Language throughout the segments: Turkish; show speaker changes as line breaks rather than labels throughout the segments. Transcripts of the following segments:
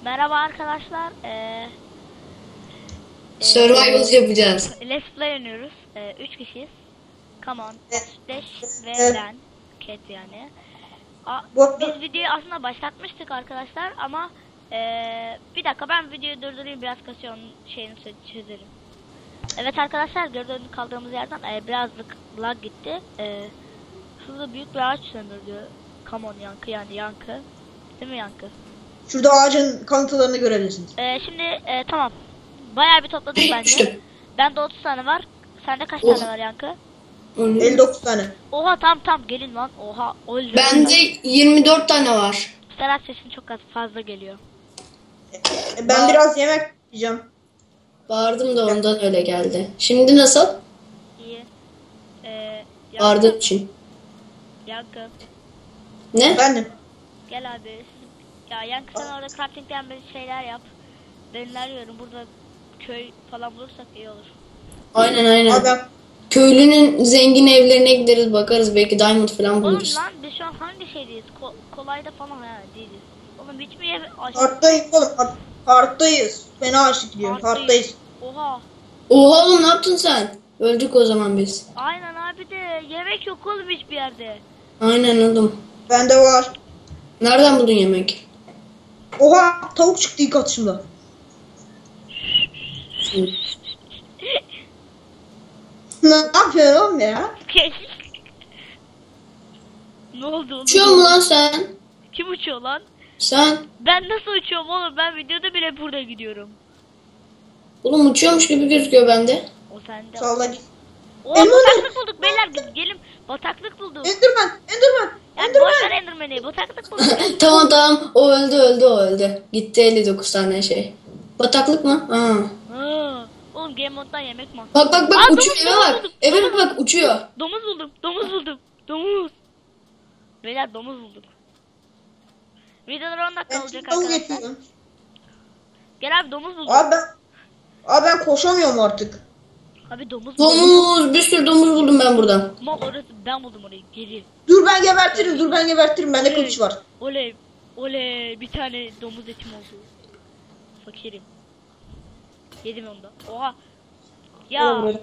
Merhaba arkadaşlar.
Survival yapacağız.
Let's Play oynuyoruz. 3 kişiyiz. Come on. Dash ve
Evet.
ben. Cat yani.
Bu
Biz videoyu aslında başlatmıştık arkadaşlar ama bir dakika ben videoyu durdurayım, biraz kasıyor, onun şeyini çözerim. Evet arkadaşlar, gördüğünüz kaldığımız yerden birazcık lag gitti. Şurada büyük bir ağaç söndürdü. Come on yankı, yani yankı. Değil mi yankı?
şurada ağacın kalıntılarını görebilirsiniz.
Şimdi tamam. Bayağı bir topladık bence.
İşte.
Bende 30 tane var. Sende kaç
Oh.
tane var yankı?
59 tane.
Oha tam gelin lan. Oha. Oldu.
Bende 24 tane var.
Serhat, sesin çok az fazla geliyor.
Ben biraz yemek yiyeceğim.
Bağırdım da ondan öyle geldi. Şimdi nasıl?
İyi.
Bağırdığım için.
Yankı.
Ne?
Bendim.
Gel abi. Ya yankı, sen orada crafting'den bir şeyler yap. Ben arıyorum. Burada köy falan bulursak iyi olur.
Aynen.
Abi
Köylünün zengin evlerine gideriz, bakarız, belki diamond falan
Oğlum
buluruz.
lan, biz şu an hangi şeydeyiz? Kolayda falan değiliz. Oğlum hiç mi
parktayız oğlum. Parktayız. Fena açlık gidiyor. Parktayız.
Oha.
Oha oğlum, ne yaptın sen? Öldük o zaman biz.
Aynen abi, de yemek yok oğlum hiçbir yerde.
Aynen oğlum.
Bende var.
Nereden buldun yemek?
Oha, tavuk çıktı ilk atışımda. Ne yapıyorsun oğlum ya?
Ne oldu oğlum?
Uçuyor mu lan sen?
Kim uçuyor lan?
Sen?
Ben nasıl uçuyorum oğlum? Ben videoda bile burada gidiyorum.
Oğlum uçuyormuş gibi gözüküyor bende.
O sende.
Salla git.
Oo,
Enderman!
bataklık bulduk beyler, gelin. Bataklık bulduk.
Enderman.
Yani boşver Enderman'i, bataklık bulduk.
Tamam, o öldü. Gitti 59 tane şey. Bataklık mı?
Ha. Oğlum game moddan yemek mi?
Bak
Aa,
uçuyor,
domuz
eve bak.
buldum.
Eve bak, uçuyor.
Domuz buldum. Beyler domuz bulduk. Videolar 10 dakika
Ben
olacak
şimdi tavuk
arkadaşlar.
getiriyorum.
Gel abi, domuz buldum.
Abi ben koşamıyorum artık.
Abi domuz buldum.
Domuz, bir sürü domuz buldum ben buradan.
Ama orası, ben buldum orayı, geri.
Dur ben gebertirim. Bende kılıç var.
Oley, bir tane domuz etim oldu. Fakirim. Yedim onu da. Oha. Ya
Oğlum,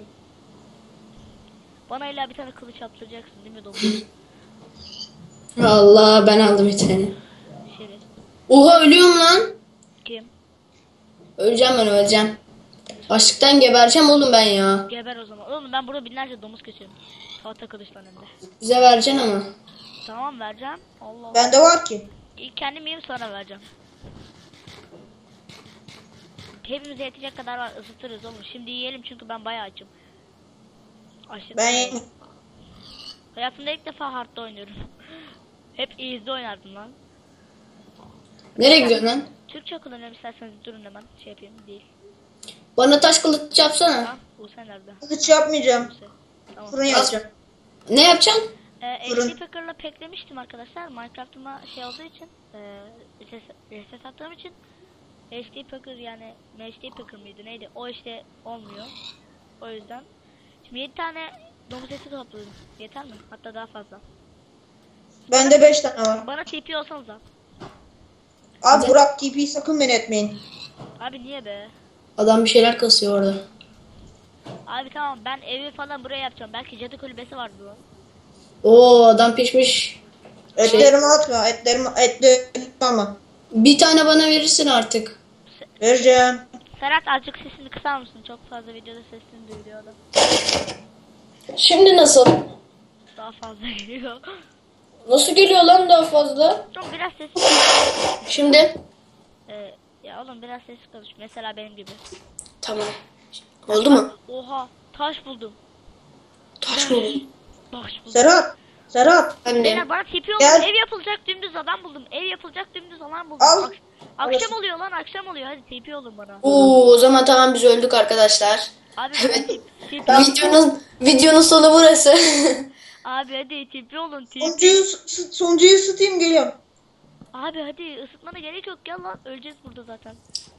bana illa bir tane kılıç yaptıracaksın değil mi domuz?
Allah, ben aldım bir tane.
Şeref.
Oha, ölüyorum lan.
Kim?
Öleceğim. Açlıktan gebereceğim oğlum ben ya.
Geber o zaman. Oğlum ben burada binlerce domuz kesiyorum. Tahta kılıçla hem de.
Bize vereceksin ama.
Tamam, vereceğim. Allah.
bende var ki.
İlk kendim yiyeyim, sonra vereceğim. Hepimize yetecek kadar var, ısıtırız oğlum. Şimdi yiyelim çünkü ben bayağı açım. Açım.
Ben
Hayatımda ilk defa hard'da oynuyorum. Hep easy'de oynardım lan.
Nereye gidiyorsun lan?
Türkçe kullanıyorum, isterseniz durun hemen şey yapayım, değil.
Bana taş kılıç yapsana.
Ha, bu sen nerede?
kılıç yapmayacağım.
Tamam.
Fırın yapacağım.
Ne yapacaksın?
Fırın.
HD Packer'la peklemiştim arkadaşlar. Minecraft'ıma şey olduğu için, reset attığım için HD Packer, yani HD Packer mıydı neydi? O işte olmuyor. O yüzden. Şimdi 7 tane domuz eti topladım. Yeter mi? Hatta daha fazla.
Bende 5 tane var.
Bana TP olsanız da.
Abi Burak TP'yi sakın beni etmeyin.
Abi niye be?
Adam bir şeyler kasıyor orada.
Abi tamam, ben evi falan buraya yapacağım. Belki cadı kulübesi vardı lan.
Oo, adam pişmiş.
Etlerimi atma. Etlerimi alma.
Bir tane bana verirsin artık.
Vereceğim.
Serhat, azıcık sesini kısar mısın? Çok fazla videoda sesini duyuluyor adam.
Şimdi nasıl?
Daha fazla geliyor.
Nasıl geliyor lan daha fazla?
Çok biraz sesi.
Şimdi?
Ya oğlum, biraz sesi konuş. Mesela benim gibi.
Tamam. Oldu mu?
Oha, taş buldum.
Taş mı?
Taş buldum.
Serhat.
Anne.
Beyler bana tipi oldu.
Gel.
Ev yapılacak dümdüz adam buldum. Ev yapılacak dümdüz alan buldum.
Al.
Akşam oluyor lan, akşam oluyor. Hadi tipi olun bana.
Oo, o zaman tamam, biz öldük arkadaşlar.
Abi
Evet.
tipi.
Videonun sonu burası.
Abi hadi tipi olun, tipi.
Sonuncuyu ısıtayım geliyorum.
Abi hadi, ısıtmana gerek yok, gel lan. Öleceğiz burada zaten.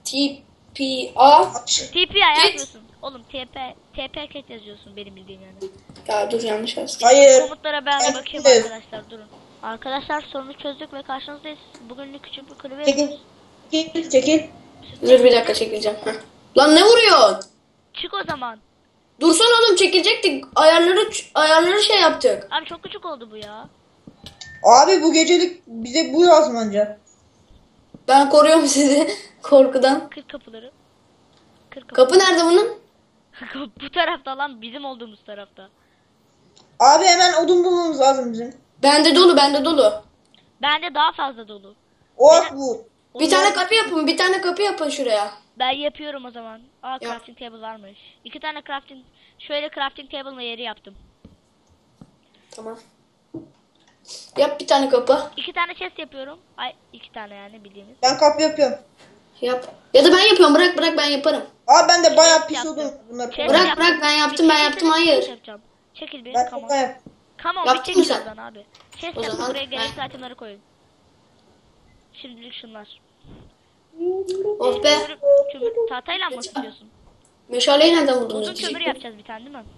TPA.
TP yazmıyorsun. Oğlum TP ket yazıyorsun, benim bildiğim yani.
Ya dur, yanlış yazdım.
Hayır.
Komutlara ben de bakayım
Evet.
arkadaşlar, durun. Arkadaşlar, sorunu çözdük ve karşınızdayız. Bugünlük küçük bir kulübe
Peki.
yapıyoruz.
Çekil çekil.
Dur bir dakika çekileceğim. Heh. Lan ne vuruyorsun?
Çık o zaman.
Dursana oğlum, çekilecektik. Ayarları şey yaptık.
Abi çok küçük oldu bu ya.
Abi bu gecelik bize bu yazmanca.
Ben koruyorum sizi korkudan.
Kır kapıları. Kır kapı.
Kapı nerede bunun?
Bu tarafta lan, bizim olduğumuz tarafta.
Abi hemen odun bulmamız lazım bizim.
Bende dolu, bende dolu.
Bende daha fazla dolu.
Oh bu.
Bir tane kapı yapın, bir tane kapı yapın şuraya.
Ben yapıyorum o zaman. Aa,
Yap.
crafting table varmış. 2 tane şöyle crafting table'la yeri yaptım.
Tamam. Yap bir tane kapı.
2 tane chest yapıyorum. Ay, 2 tane yani bildiğiniz.
Ben kapı yapıyorum.
Yap. Ya da ben yapıyorum, bırak ben yaparım.
Abi ben de bayağı pis
Yaptım.
odun bunları.
Chest
Bırak,
yaptım.
bırak, ben yaptım, ben yaptım, hayır.
Yapacağım. Çekil bir.
Ben
Come on.
çok yap.
Come on, bir
Yaptın mı
çekil
sen?
oradan abi. Chest
O
yaptım,
zaman
buraya gerekli
ben-
itemleri koyun. Şimdilik şunlar.
Oh be.
Tahtayla mı istiyorsun?
Meşaleyi nereden buldunuz?
Uzun kömür yapacağız bir tane değil mi?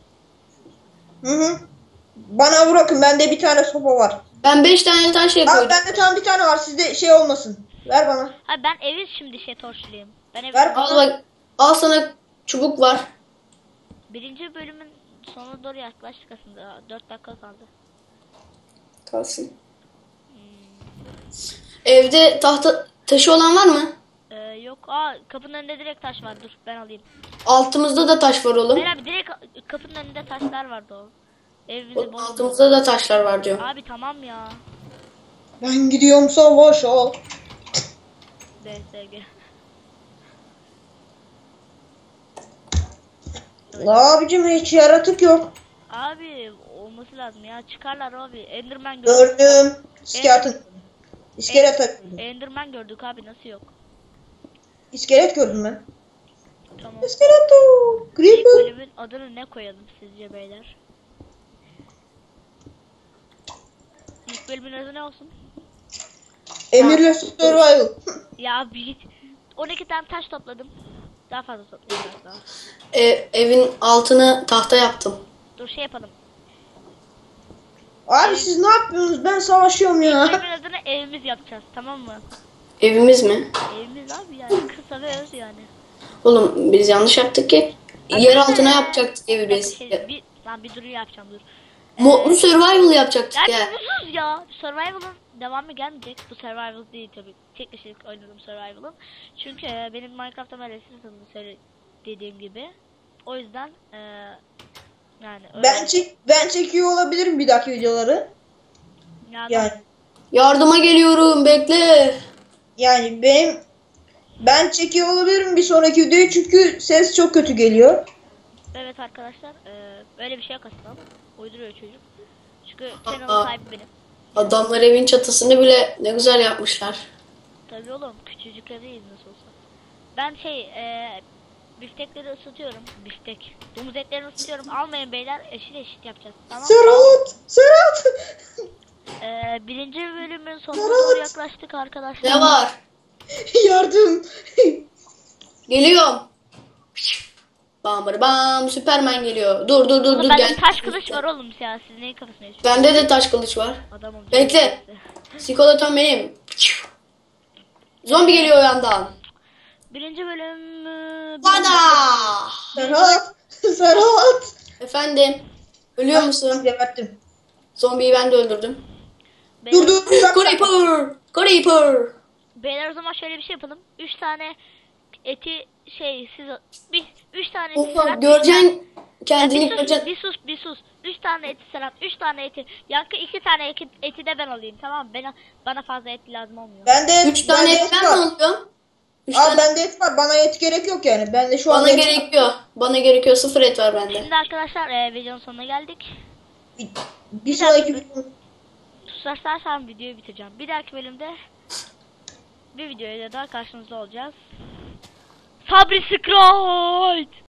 Hı. Bana bırakın, bende bir tane sopa var.
Ben 5 tane taş şey
Abi
koydum.
bende tam bir tane var, sizde şey olmasın. Ver bana.
Ha, ben evi şimdi torçlayayım. Ben evi...
Ver.
Al bak, al sana çubuk var.
Birinci bölümün sonuna doğru yaklaştık aslında. 4 dakika kaldı.
Kalsın. Evde taşı olan var mı?
Yok. Aa, kapının önünde direkt taş var. Dur ben alayım.
Altımızda da taş var oğlum.
Hayır abi, direkt kapının önünde taşlar vardı o. Evimizi bozdu.
Altımızda da taşlar var diyor.
Abi tamam ya.
Ben gidiyorum savaşa.
DSG.
La abicim hiç yaratık yok.
Abi olması lazım ya. Çıkarlar abi. Enderman gördük.
Gördüm. İskelet. İskelet.
Enderman gördük abi, nasıl yok?
İskelet gördüm ben.
Tamam.
İskeleto.
İlk
Creeper.
bölümün adını ne koyalım sizce beyler? İlk bölümün adı ne olsun?
Emirle survival.
Ya bir 12 tane taş topladım. Daha fazla toplayayım biraz daha.
Evin altını tahta yaptım.
Dur şey yapalım.
Abi siz ne yapıyorsunuz? Ben savaşıyorum ya.
Bölümün adını evimiz yapacağız, tamam mı?
Evimiz mi?
Evimiz abi yani, kısa ve öz yani.
Oğlum biz yanlış yaptık ki. Yer altına yapacaktık evi biz.
Bir duru yapacağım, dur.
Modlu survival yapacaktık
Ya
ya.
mutsuz ya. Survival'ın devamı gelmeyecek. Bu survival değil tabii. Tek kişilik oynadım survival'ın. Çünkü benim Minecraft'ta böyle dediğim gibi. O yüzden yani öyle.
Ben çekiyor olabilirim bir dahaki videoları. Yani
Yardıma geliyorum, bekle.
yani ben çekiyor olabilirim bir sonraki videoyu çünkü ses çok kötü geliyor.
Evet arkadaşlar, öyle bir şey yok aslında ama uyduruyor çocuk. Çünkü
Aa.
channel'ın sahibi benim.
Adamlar evin çatısını bile ne güzel yapmışlar.
Tabii oğlum, küçücükler değiliz nasıl olsa. Ben biftekleri ısıtıyorum. Biftek. Domuz etlerini ısıtıyorum. Almayın beyler, eşit eşit yapacağız. Tamam.
Serhat.
Birinci bölümün sonuna doğru yaklaştık arkadaşlar.
Ne var?
Yardım.
Geliyorum. Bam bam, Süpermen geliyor. Dur
Oğlum, bende
gel.
taş kılıç var oğlum ya. Siz neyin kafasına yaşıyorsunuz?
Bende de taş kılıç var.
Adam olacak.
Bekle. Sikolaton benim. Zombi geliyor o yandan.
Birinci bölüm...
Bana.
Serhat.
Efendim. Ölüyor musun?
Geberttim.
Zombiyi ben de öldürdüm.
Beyler,
Dur. Bir dakika.
Creeper.
beyler o zaman şöyle bir şey yapalım. 3 tane eti siz... 3 tane eti
Oha,
Serhat,
göreceksin kendini
bir
göreceksin.
sus. 3 tane eti Serhat, 3 tane eti. Yankı 2 tane eti de ben alayım, tamam mı? Bana fazla et lazım olmuyor.
Bende
3 tane et ben mi alıyorum? 3
Abi
tane
bende et var. Bana et gerek yok yani. Bende şu anda
bana
et var.
gerekiyor. Bana gerekiyor. 0 et var bende.
Şimdi arkadaşlar videonun sonuna geldik.
Bir sonraki video.
Tutarsarsam videoyu bitireceğim. Bir dahaki bölümde bir videoyla daha karşınızda olacağız. Sabri Scroll!